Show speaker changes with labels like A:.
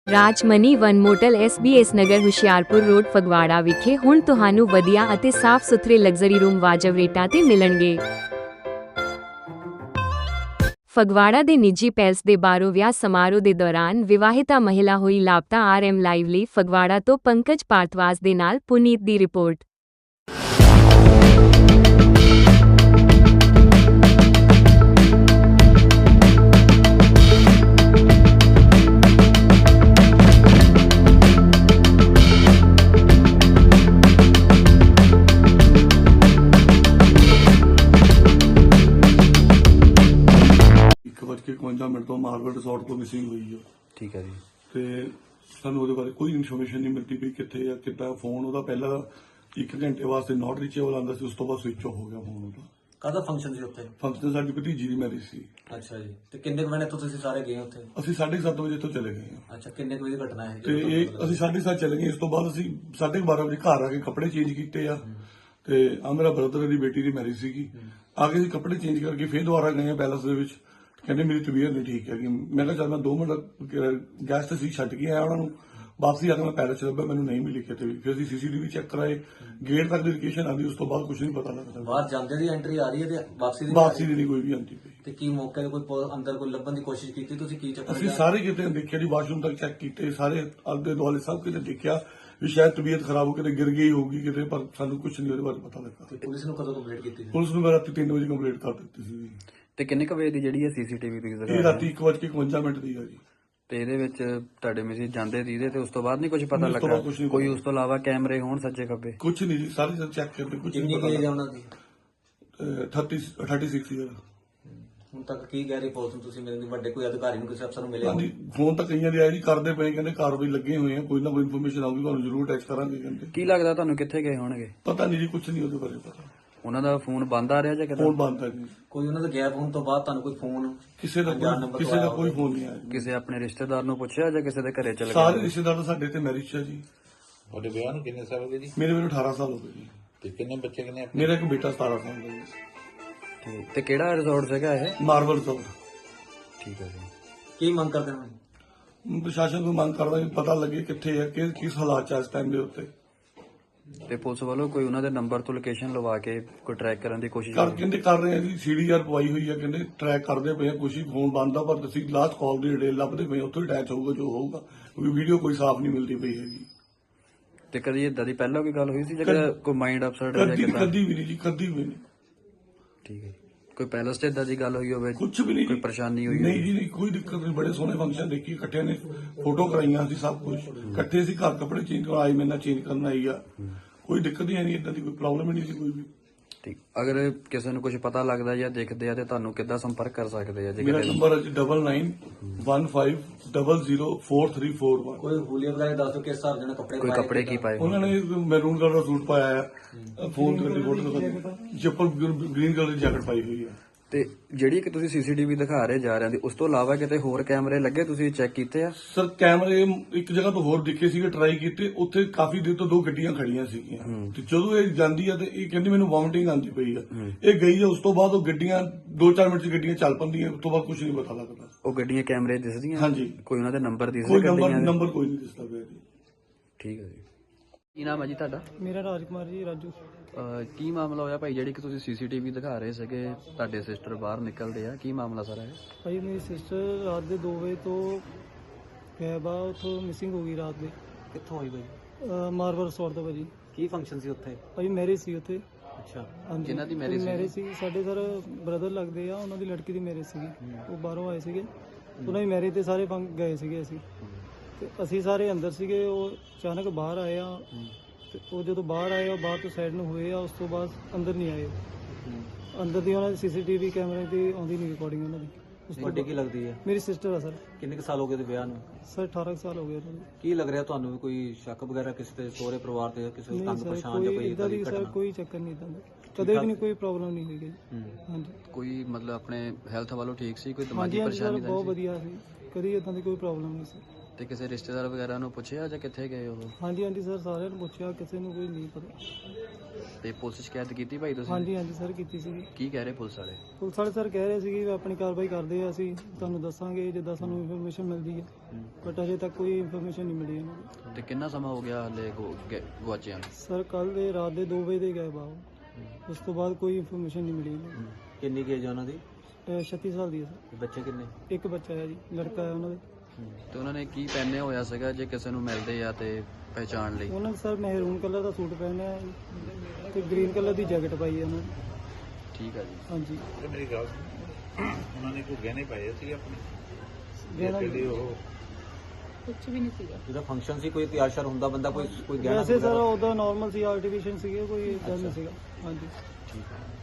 A: ਰਾਜਮਨੀ one motel SBS Nagar Hoshiarpur road Phagwara ਵਿਖੇ ਹੁਣ ਤੁਹਾਨੂੰ ਵਧੀਆ ਅਤੇ ਸਾਫ਼ ਸੁਥਰੇ ਲਗਜ਼ਰੀ ਰੂਮ ਵਾਜਬ ਰੇਟਾਂ ਤੇ ਮਿਲਣਗੇ। ਫਗਵਾੜਾ ਦੇ ਨਿੱਜੀ ਪੈਲਸ ਦੇ ਬਾਹਰੋਂ ਵਿਆਹ ਸਮਾਰੋਹ ਦੇ ਦੌਰਾਨ ਵਿਵਾਹਿਤਾ ਮਹਿਲਾ ਹੋਈ ਲਾਪਤਾ। RM ਲਾਈਵ ਲਈ ਫਗਵਾੜਾ ਤੋਂ ਪੰਕਜ ਭਾਰਤਵਾਜ ਦੇ ਨਾਲ ਪੁਨੀਤ ਦੀ ਰਿਪੋਰਟ।
B: के 51 मिनट तो मार्बल रिसोर्ट तो मिसिंग हुई है।
C: ठीक है जी।
B: ਤੇ ਸਾਨੂੰ ਉਹਦੇ ਬਾਰੇ ਕੋਈ ਇਨਫੋਰਮੇਸ਼ਨ ਨਹੀਂ ਮਿਲਦੀ ਵੀ ਕਿੱਥੇ ਆ ਕਿੱਦਾਂ। ਫੋਨ ਉਹਦਾ ਪਹਿਲਾਂ 1 ਘੰਟੇ ਵਾਸਤੇ ਨਾਟ ਰੀਚੇਬਲ ਆਉਂਦਾ ਸੀ, ਉਸ ਤੋਂ ਬਾਅਦ ਸਵਿਚ ਆਫ ਹੋ ਗਿਆ ਫੋਨ ਉਹਦਾ।
D: ਕਾਹਦਾ ਫੰਕਸ਼ਨ ਸੀ ਉੱਥੇ?
B: ਫੰਕਸ਼ਨ ਸਾਡੀ ਭਤੀਜੀ ਦੀ ਮੈਰਿਜ ਸੀ।
D: ਅੱਛਾ ਜੀ। ਤੇ ਕਿੰਨੇ ਕੁ ਵਜੇ ਤੋਂ ਤੁਸੀਂ ਸਾਰੇ ਗਏ ਉੱਥੇ?
B: ਅਸੀਂ 7:30 ਵਜੇ ਤੋਂ ਚਲੇ ਗਏ ਹਾਂ।
D: ਅੱਛਾ, ਕਿੰਨੇ ਕੁ ਵਜੇ ਦੀ ਘਟਨਾ ਹੈ?
B: ਤੇ ਇਹ ਅਸੀਂ 7:30 ਚਲੇ ਗਏ। ਇਸ ਤੋਂ ਬਾਅਦ ਅਸੀਂ 12:30 ਵਜੇ ਘਰ ਆ ਕੇ ਕੱਪੜੇ ਚੇਂਜ ਕੀਤੇ ਆ। ਤੇ ਆ ਮੇਰਾ ਬ੍ਰਦਰ ਦੀ ਬੇਟੀ ਦੀ ਮੈਰਿਜ ਸੀਗੀ। ਆ ਕੇ ਅਸੀਂ ਕੱਪੜੇ ਚੇਂਜ ਕਰਕੇ ਫੇਰ ਦੁਬਾਰਾ ਗਏ ਆ ਪੈਲਸ ਦੇ ਵਿੱਚ। ਕਹਿੰਦੇ ਮੇਰੀ ਤਬੀਅਤ ਨਹੀਂ ਠੀਕ ਹੈਗੀ। ਮੈਂ ਕਿਹਾ ਚੱਲ ਮੈਂ 2 ਮਿੰਟ ਗੈਸ ਤੇ ਸੀ ਛੱਡ ਕੇ ਆਇਆ ਉਹਨਾਂ ਨੂੰ। ਵਾਪਸੀ ਆ ਕੇ ਮੈਂ ਪੈਲਸ ਚ ਲੱਭਿਆ, ਮੈਨੂੰ ਨਹੀਂ ਮਿਲੀ ਕਿਤੇ ਵੀ। ਫਿਰ ਅਸੀਂ CCTV ਚੈੱਕ ਕਰਾਏ, ਗੇਟ ਤੱਕ ਦੀ ਲੋਕੇਸ਼ਨ ਆਉਂਦੀ, ਉਸ ਤੋਂ ਬਾਅਦ ਕੁਝ ਨਹੀਂ ਪਤਾ ਲੱਗਦਾ।
D: ਬਾਹਰ ਜਾਂਦੇ ਦੀ ਐਂਟਰੀ ਆ ਰਹੀ ਹੈ ਤੇ
B: ਵਾਪਸੀ ਦੀ ਨਹੀਂ ਕੋਈ ਵੀ ਆਉਂਦੀ ਪਈ।
D: ਤੇ ਕੀ ਮੌਕੇ ਤੇ ਕੋਈ ਅੰਦਰ ਕੋਈ ਲੱਭਣ ਦੀ ਕੋਸ਼ਿਸ਼ ਕੀਤੀ ਤੁਸੀਂ? ਕੀ ਚੱਕਰ?
B: ਅਸੀਂ ਸਾਰੇ ਕਿਤੇ ਦੇਖਿਆ ਜੀ, ਵਾਸ਼ਰੂਮ ਤੱਕ ਚੈੱਕ ਕੀਤੇ, ਸਾਰੇ ਆਲੇ ਦੁਆਲੇ ਸਭ ਕਿਤੇ ਦੇਖਿਆ ਵੀ ਸ਼ਾਇਦ ਤਬੀਅਤ ਖਰਾਬ ਹੋ ਕਿਤੇ ਗਿਰ ਗਈ ਹੋਊਗੀ ਕਿਤੇ, ਪਰ ਸਾਨੂੰ ਕੁਝ ਨਹੀਂ ਉਹਦੇ ਬਾਰੇ ਪਤਾ ਲੱਗਾ।
D: ਤੇ ਪੁਲਿਸ ਨੂੰ ਕਦੋਂ ਕੰਪਲੇਂਟ ਕੀਤੀ ਸੀ?
B: ਪੁਲਿਸ ਨੂੰ ਮੈਂ ਰਾਤੀ 3 ਵਜੇ ਕੰਪਲੇਂਟ ਕਰ ਦਿੱਤੀ ਸੀ।
C: ਤੇ ਕਿੰਨੇ ਕ ਵਜੇ ਦੀ ਜਿਹੜੀ ਹੈ CCTV ਦੀ
B: ਇਹ ਰਾਤੀ 1:51 ਮਿੰਟ ਦੀ ਹੈ ਜੀ।
C: ਤੇ ਇਹਦੇ ਵਿੱਚ ਤੁਹਾਡੇ ਮੈਸੇਜ ਜਾਂਦੇ ਸੀ ਇਹਦੇ ਤੇ, ਉਸ ਤੋਂ ਬਾਅਦ ਨਹੀਂ ਕੁਝ ਪਤਾ ਲੱਗਾ? ਕੋਈ ਉਸ ਤੋਂ ਇਲਾਵਾ ਕੈਮਰੇ ਹੋਣ ਸੱਜੇ ਖੱਬੇ?
B: ਕੁਝ ਨਹੀਂ ਜੀ, ਸਾਰੇ ਚੈੱਕ ਕਰਦੇ, ਕੁਝ ਨਹੀਂ ਪਤਾ।
D: ਕਿੰਨੀ ਉਹਨਾਂ ਦੀ
B: 36 ਈਅਰ।
D: ਹੁਣ ਤੱਕ ਕੀ ਕਹਿ ਰਹੀ ਪੁਲਿਸ ਨੂੰ? ਤੁਸੀਂ ਮੇਰੇ ਵੱਡੇ ਕੋਈ ਅਧਿਕਾਰੀ ਨੂੰ, ਕਿਸੇ ਅਫਸਰ ਨੂੰ ਮਿਲੇ?
B: ਹਾਂਜੀ, ਫੋਨ ਤਾਂ ਕਈਆਂ ਦੇ ਆਏ ਜੀ, ਕਰਦੇ ਪਏ, ਕਹਿੰਦੇ ਕਾਰਵਾਈ ਲੱਗੇ ਹੋਏ ਆ, ਕੋਈ ਨਾ ਕੋਈ ਇਨਫੋਰਮੇਸ਼ਨ ਆਊਗੀ ਤੁਹਾਨੂੰ ਜ਼ਰੂਰ ਟੈਕਸ ਕਰਾਂਗੇ ਕਹਿੰਦੇ।
C: ਕੀ ਲੱਗਦਾ ਤੁਹਾਨੂੰ ਕਿੱਥੇ ਗਏ ਹੋਣਗੇ?
B: ਪਤਾ ਨਹੀਂ ਜੀ, ਕੁਝ ਨਹੀਂ ਉਹਦੇ ਬਾਰੇ ਪਤਾ।
C: ਉਹਨਾਂ ਦਾ ਫੋਨ ਬੰਦ ਆ ਰਿਹਾ ਜਾਂ ਕਿਦਾਂ?
B: ਫੋਨ ਬੰਦ ਹੈ ਜੀ।
D: ਕੋਈ ਉਹਨਾਂ ਦਾ ਗੈਪ ਹੋਣ ਤੋਂ ਬਾਅਦ ਤੁਹਾਨੂੰ ਕੋਈ ਫੋਨ?
B: ਕਿਸੇ ਦਾ ਕੋਈ ਫੋਨ ਨਹੀਂ ਆਇਆ ਜੀ।
C: ਕਿਸੇ ਆਪਣੇ ਰਿਸ਼ਤੇਦਾਰ ਨੂੰ ਪੁੱਛਿਆ ਜਾਂ ਕਿਸੇ ਦੇ ਘਰੇ ਚਲੇ ਗਏ?
B: ਸਾਰੇ ਰਿਸ਼ਤੇਦਾਰ ਤਾਂ ਸਾਡੇ ਤੇ ਮੈਰਿਜ ਹੈ ਜੀ।
E: ਤੁਹਾਡੇ ਵਿਆਹ ਨੂੰ ਕਿੰਨੇ ਸਾਲ ਹੋ ਗਏ ਜੀ?
B: ਮੇਰੇ ਮੈਨੂੰ 18 ਸਾਲ ਹੋ ਗਏ ਜੀ।
E: ਤੇ ਕਿੰਨੇ ਬੱਚੇ ਕਿੰਨੇ?
B: ਮੇਰਾ ਇੱਕ ਬੇਟਾ 17 ਸਾਲ ਦਾ ਜੀ।
C: ਠੀਕ। ਤੇ ਕਿਹੜਾ ਰਿਜ਼ੋਰਟ ਸੀਗਾ ਇਹ?
B: ਮਾਰਬਲ ਚੌਕ।
C: ਠੀਕ ਹੈ ਜੀ।
D: ਕੀ ਮੰਗ ਕਰਦੇ ਹੋ?
B: ਪ੍ਰਸ਼ਾਸਨ ਨੂੰ ਮੰਗ ਕਰਦਾ ਕਿ ਪਤਾ ਲੱਗੇ ਕਿੱਥੇ ਹੈ, ਕਿਸ ਹਾਲਾਤ ਚ ਇਸ ਟਾਈਮ ਦੇ ਉੱਤੇ।
C: ਤੇ ਪੁਲਿਸ ਵੱਲੋਂ ਕੋਈ ਉਹਨਾਂ ਦੇ ਨੰਬਰ ਤੋਂ ਲੋਕੇਸ਼ਨ ਲਵਾ ਕੇ ਕੋਈ ਟਰੈਕ ਕਰਨ ਦੀ ਕੋਸ਼ਿਸ਼
B: ਕਹਿੰਦੇ ਕਰ ਰਹੇ ਆ ਜੀ। CDR ਪਵਾਈ ਹੋਈ ਹੈ, ਕਹਿੰਦੇ ਟਰੈਕ ਕਰਦੇ ਪਏ ਆ। ਕੁਛ ਫੋਨ ਬੰਦ ਆ, ਪਰ ਅਸੀਂ ਲਾਸਟ ਕਾਲ ਦੀ ਡਿਟੇਲ ਲੱਭਦੇ ਪਏ, ਉੱਥੋਂ ਅਟੈਚ ਹੋਊਗਾ ਜੋ ਹੋਊਗਾ, ਕਿਉਂਕਿ ਵੀਡੀਓ ਕੋਈ ਸਾਫ਼ ਨਹੀਂ ਮਿਲਦੀ ਪਈ ਹੈਗੀ।
C: ਤੇ ਕਦੀ ਏਦਾਂ ਦੀ ਪਹਿਲਾਂ ਕੋਈ ਗੱਲ ਹੋਈ ਸੀ ਜਿਹੜਾ ਕੋਈ ਮਾਈਂਡ ਅਪਸੈਟ ਹੋ ਜਾਂ ਕਿਦਾਂ?
B: ਕਦੀ ਵੀ ਨਹੀਂ ਜੀ, ਕਦੀ ਵੀ ਨਹੀਂ।
C: ਠੀਕ ਹੈ। ਕੋਈ ਪੈਲਸ 'ਚ ਏਦਾਂ ਦੀ ਗੱਲ ਹੋਈ ਹੋਵੇ?
B: ਕੁਝ ਵੀ ਨਹੀਂ।
C: ਕੋਈ ਪਰੇਸ਼ਾਨੀ ਹੋਈ?
B: ਨਹੀਂ ਜੀ, ਨਹੀਂ, ਕੋਈ ਦਿੱਕਤ ਨਹੀਂ। ਬੜੇ ਸੋਹਣੇ ਫੰਕਸ਼ਨ ਦੇਖੀ, ਇਕੱਠੇ ਨੇ ਫੋਟੋ ਕਰਾਈਆਂ ਸੀ, ਸਭ ਕੁਝ ਇਕੱਠੇ ਸੀ। ਘਰ ਕੱਪੜੇ ਚੇਂਜ ਕਰਵਾਏ, ਮੇਰੇ ਨਾਲ ਚੇਂਜ ਕਰਨ ਆਈ ਆ। ਕੋਈ ਦਿੱਕਤ ਹੀ ਨਹੀਂ, ਏਦਾਂ ਦੀ ਕੋਈ ਪ੍ਰੋਬਲਮ ਹੀ ਨਹੀਂ ਸੀ ਕੋਈ ਵੀ।
C: ਠੀਕ। ਅਗਰ ਕਿਸੇ ਨੂੰ ਕੁਝ ਪਤਾ ਲੱਗਦਾ ਜਾਂ ਦੇਖਦੇ ਆ ਤੇ ਤੁਹਾਨੂੰ ਕਿੱਦਾਂ ਸੰਪਰਕ ਕਰ ਸਕਦੇ ਆ?
B: ਮੇਰਾ ਨੰਬਰ ਹੈ 9915004341।
D: ਕੋਈ ਹੁਲੀਆ ਵਗੈਰਾ ਦੱਸ ਦਿਓ, ਕਿਸ ਹਿਸਾਬ ਦੇ ਕੱਪੜੇ
C: ਕੋਈ ਕੱਪੜੇ ਕੀ ਪਾਏ?
B: ਉਹਨਾਂ ਨੇ ਮੈਰੂਨ ਕਲਰ ਦਾ ਸੂਟ ਪਾਇਆ ਹੈ, ਫੋਨ ਦੀ ਫੋਟੋ, ਚੱਪਲ ਗ੍ਰੀਨ ਕਲਰ ਦੀ ਜੈਕਟ ਪਾਈ ਹੋਈ ਹੈ।
C: ਤੇ ਜਿਹੜੀ ਕਿ ਤੁਸੀਂ CCTV ਦਿਖਾ ਰਹੇ ਜਾ ਰਹੇ ਦੀ, ਉਸ ਤੋਂ ਇਲਾਵਾ ਕਿਤੇ ਹੋਰ ਕੈਮਰੇ ਲੱਗੇ, ਤੁਸੀਂ ਚੈੱਕ ਕੀਤੇ ਆ?
B: ਸਰ, ਕੈਮਰੇ ਇੱਕ ਜਗ੍ਹਾ ਤੋਂ ਹੋਰ ਦਿਖੇ ਸੀਗੇ, ਟਰਾਈ ਕੀਤੇ। ਉੱਥੇ ਕਾਫੀ ਦੇਰ ਤੋਂ 2 ਗੱਡੀਆਂ ਖੜੀਆਂ ਸੀਗੀਆਂ। ਤੇ ਜਦੋਂ ਇਹ ਜਾਂਦੀ ਆ ਤੇ ਇਹ ਕਹਿੰਦੀ ਮੈਨੂੰ ਵੋਮਿਟਿੰਗ ਆਉਂਦੀ ਪਈ ਆ। ਇਹ ਗਈ ਆ, ਉਸ ਤੋਂ ਬਾਅਦ ਉਹ ਗੱਡੀਆਂ 2-4 ਮਿੰਟ ਚ ਗੱਡੀਆਂ ਚੱਲ ਪੈਂਦੀਆਂ, ਉਸ ਤੋਂ ਬਾਅਦ ਕੁਝ ਨਹੀਂ ਪਤਾ ਲੱਗਦਾ।
C: ਉਹ ਗੱਡੀਆਂ ਕੈਮਰੇ ਦਿਸਦੀਆਂ?
B: ਹਾਂਜੀ।
C: ਕੋਈ ਉਹਨਾਂ ਦੇ ਨੰਬਰ ਦਿਸਦੇ?
B: ਕੋਈ ਨੰਬਰ ਕੋਈ ਨਹੀਂ ਦਿਸਦਾ ਪਿਆ ਜੀ।
C: ਠੀਕ ਹੈ ਜੀ। ਕੀ ਨਾਮ ਹੈ ਜੀ ਤੁਹਾਡਾ?
F: ਮੇਰਾ ਰਾਜਕੁਮਾਰ ਜੀ, ਰਾਜੂ।
C: ਕੀ ਮਾਮਲਾ ਹੋਇਆ ਭਾਈ, ਜਿਹੜੀ ਕਿ ਤੁਸੀਂ CCTV ਦਿਖਾ ਰਹੇ ਸੀਗੇ, ਤੁਹਾਡੇ ਸਿਸਟਰ ਬਾਹਰ ਨਿਕਲਦੇ ਆ, ਕੀ ਮਾਮਲਾ ਸਾਰਾ ਹੈ?
F: ਭਾਈ ਮੇਰੀ ਸਿਸਟਰ ਰਾਤ ਦੇ 2 ਵਜੇ ਤੋਂ ਗਾਇਬ ਆ, ਉੱਥੋਂ ਮਿਸਿੰਗ ਹੋ ਗਈ ਰਾਤ ਦੇ।
D: ਕਿੱਥੋਂ ਹੋਈ ਬਾਈ?
F: ਮਾਰਬਲ ਰਿਸੋਰਟ ਤੋਂ ਭਾਜੀ।
D: ਕੀ ਫੰਕਸ਼ਨ ਸੀ ਉੱਥੇ?
F: ਭਾਈ ਮੈਰਿਜ ਸੀ ਉੱਥੇ।
D: ਅੱਛਾ।
F: ਹਾਂਜੀ।
C: ਕਿਹਨਾਂ ਦੀ marriage
F: ਮੈਰਿਜ ਸੀ? ਸਾਡੇ ਸਰ ਬ੍ਰਦਰ ਲੱਗਦੇ ਆ, ਉਹਨਾਂ ਦੀ ਲੜਕੀ ਦੀ ਮੈਰਿਜ ਸੀਗੀ। ਉਹ ਬਾਹਰੋਂ ਆਏ ਸੀਗੇ, ਉਹਨਾਂ ਦੀ ਮੈਰਿਜ ਤੇ ਸਾਰੇ ਗਏ ਸੀਗੇ ਅਸੀਂ। ਤੇ ਅਸੀਂ ਸਾਰੇ ਅੰਦਰ ਸੀਗੇ, ਉਹ ਅਚਾਨਕ ਬਾਹਰ ਆਏ ਆ। ਤੇ ਉਹ ਜਦੋਂ ਬਾਹਰ ਆਏ, ਉਹ ਬਾਹਰ ਤੋਂ ਸਾਈਡ ਨੂੰ ਹੋਏ ਆ, ਉਸ ਤੋਂ ਬਾਅਦ ਅੰਦਰ ਨਹੀਂ ਆਏ। ਅੰਦਰ ਦੀ ਉਹਨਾਂ ਦੀ CCTV ਕੈਮਰੇ ਤੇ ਆਉਂਦੀ ਨਹੀਂ ਰਿਕਾਰਡਿੰਗ ਉਹਨਾਂ ਦੀ।
D: ਵੱਡੀ ਕੀ ਲੱਗਦੀ ਹੈ?
F: ਮੇਰੀ ਸਿਸਟਰ ਆ ਸਰ।
D: ਕਿੰਨੇ ਕੁ ਸਾਲ ਹੋ ਗਏ ਤੇ ਵਿਆਹ ਨੂੰ?
F: ਸਰ 18 ਸਾਲ ਹੋ ਗਏ ਉਹਨਾਂ ਨੂੰ।
D: ਕੀ ਲੱਗ ਰਿਹਾ ਤੁਹਾਨੂੰ, ਵੀ ਕੋਈ ਸ਼ੱਕ ਵਗੈਰਾ ਕਿਸੇ ਦੇ ਸਹੁਰੇ ਪਰਿਵਾਰ ਤੇ, ਕਿਸੇ ਨੂੰ
F: ਨਹੀਂ
D: ਤੰਗ
F: ਸਰ,
D: ਪਰੇਸ਼ਾਨ ਜਾਂ
F: ਕੋਈ
D: ਕੋਈ
F: ਇਦਾਂ ਦੀ ਸਰ
D: ਘਟਨਾ?
F: ਕੋਈ ਚੱਕਰ ਨਹੀਂ ਇਦਾਂ ਦਾ, ਕਦੇ ਵੀ ਨਹੀਂ, ਕੋਈ ਪ੍ਰੋਬਲਮ ਨਹੀਂ ਹੋਈ। ਹਾਂਜੀ
C: ਕੋਈ ਮਤਲਬ ਆਪਣੇ ਹੈਲਥ ਵੱਲੋਂ ਠੀਕ ਸੀ? ਕੋਈ
F: ਹਾਂਜੀ
C: ਦਿਮਾਗੀ
F: ਹਾਂਜੀ ਸਰ,
C: ਪਰੇਸ਼ਾਨੀ
F: ਬਹੁਤ
C: ਦਾ?
F: ਵਧੀਆ ਸੀ, ਕਦੀ ਇਦਾਂ ਦੀ ਕੋਈ ਪ੍ਰੋਬਲਮ ਨਹੀਂ ਸੀ।
C: ਤੇ ਕਿਸੇ ਰਿਸ਼ਤੇਦਾਰ ਵਗੈਰਾ ਨੂੰ ਪੁੱਛਿਆ ਜਾਂ ਕਿੱਥੇ ਗਏ ਉਹ?
F: ਹਾਂਜੀ ਹਾਂਜੀ ਸਰ, ਸਾਰਿਆਂ ਨੂੰ ਪੁੱਛਿਆ, ਕਿਸੇ ਨੂੰ ਕੋਈ ਨਹੀਂ ਪਤਾ।
C: ਤੇ ਪੁਲਿਸ ਸ਼ਿਕਾਇਤ ਕੀਤੀ ਭਾਈ ਤੁਸੀਂ?
F: ਹਾਂਜੀ ਹਾਂਜੀ ਸਰ ਕੀਤੀ ਸੀਗੀ।
C: ਕੀ ਕਹਿ ਰਹੇ ਪੁਲਿਸ ਵਾਲੇ?
F: ਪੁਲਿਸ ਵਾਲੇ ਸਰ ਕਹਿ ਰਹੇ ਸੀਗੇ ਵੀ ਆਪਣੀ ਕਾਰਵਾਈ ਕਰਦੇ ਆ, ਅਸੀਂ ਤੁਹਾਨੂੰ ਦੱਸਾਂਗੇ ਜਿੱਦਾਂ ਸਾਨੂੰ ਇਨਫੋਰਮੇਸ਼ਨ ਮਿਲਦੀ ਹੈ, ਬਟ ਅਜੇ ਤੱਕ ਕੋਈ ਇਨਫੋਰਮੇਸ਼ਨ ਨਹੀਂ ਮਿਲੀ ਇਹਨਾਂ ਨੂੰ।
C: ਤੇ ਕਿੰਨਾ ਸਮਾਂ ਹੋ ਗਿਆ ਹਲੇ ਗੁਆਚਿਆਂ ਨੂੰ?
F: ਸਰ ਕੱਲ ਦੇ ਰਾਤ ਦੇ 2 ਵਜੇ ਦੇ ਗਏ ਬਾਹਰ, ਉਸ ਤੋਂ ਬਾਅਦ ਕੋਈ ਇਨਫੋਰਮੇਸ਼ਨ ਨਹੀਂ ਮਿਲੀ ਇਹਨਾਂ ਨੂੰ।
D: ਕਿੰਨੀ ਏਜ ਹੈ ਉਹਨਾਂ ਦੀ?
F: 36 ਸਾਲ ਦੀ ਹੈ ਸਰ।
D: ਬੱਚੇ ਕਿੰਨੇ?
F: ਇੱਕ ਬੱਚਾ ਹੈ ਜੀ, ਲੜਕਾ ਹੈ ਉਹਨਾਂ ਦੇ।
C: ਤੇ ਉਹਨਾਂ ਨੇ ਕੀ ਪਹਿਨੇ ਹੋਇਆ ਸੀਗਾ ਜੇ ਕਿਸੇ ਨੂੰ ਮਿਲਦੇ ਆ ਤੇ ਪਹਿਚਾਣ ਲਈ?
F: ਉਹਨਾਂ ਨੇ ਸਰ ਮਹਿਰੂਨ ਕਲਰ ਦਾ ਸੂਟ ਪਹਿਨਿਆ ਹੈ ਜੀ ਤੇ ਗ੍ਰੀਨ ਕਲਰ ਦੀ ਜੈਕਟ ਪਾਈ ਹੈ ਉਹਨਾਂ ਨੇ।
C: ਠੀਕ ਆ ਜੀ।
F: ਹਾਂਜੀ।
E: ਤੇ ਮੇਰੀ ਗੱਲ ਸੁਣ, ਉਹਨਾਂ ਨੇ ਕੋਈ ਗਹਿਣੇ ਪਾਏ ਸੀ ਆਪਣੇ
F: ਗਹਿਣਾ
E: ਜਿਹੜੇ ਉਹ
D: ਜਿਹਦਾ ਫੰਕਸ਼ਨ ਸੀ, ਕੋਈ ਤਿਆਰ ਸ਼ਰ ਹੁੰਦਾ ਬੰਦਾ, ਕੋਈ ਗਹਿਣਾ
F: ਵੈਸੇ ਸਰ ਉਹਦਾ ਨਾਰਮਲ ਸੀ, ਆਰਟੀਫੀਸ਼ੀਅਲ ਸੀਗੇ, ਕੋਈ ਏਦਾਂ ਨਹੀਂ ਸੀਗਾ। ਹਾਂਜੀ।
C: ਠੀਕ ਆ।